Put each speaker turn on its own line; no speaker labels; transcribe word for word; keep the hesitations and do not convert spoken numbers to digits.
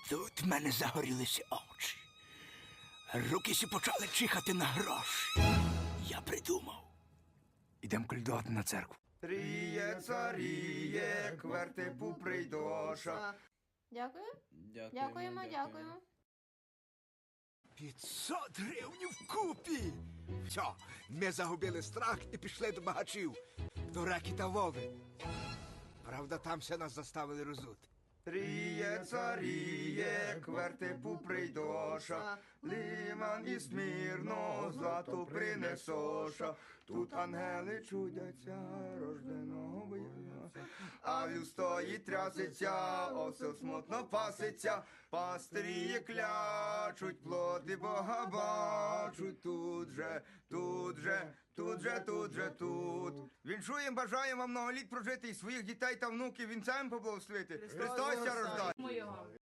Тут в мене загорілися очі. Руки сі почали чихати на гроші. Я придумав. Ідем колядувати на церкву.
Ріє, царіє, к вертепу прийдоша.
Дякую.
Дякуємо,
Дякуємо, дякуємо.
п'ятсот гривень вкупі. Все, ми загубили страх і пішли до багачів. До Реки та Вови. Правда, там все нас заставили розути.
Ріє, царіє, к вертепу прийдоша. Лиман і смірно, злато принесоша. Тут ангели чудяться, рожденого бояться. А вів стоїть трясеться, осел смутно паситься. Пастирі клячуть, плоти Бога бачуть. Тут же, тут же, тут же, тут же, тут. Віншуєм, бажаємо вам многоліт прожити і своїх дітей та внуків вінцем поблагословити. Христос ся рождає.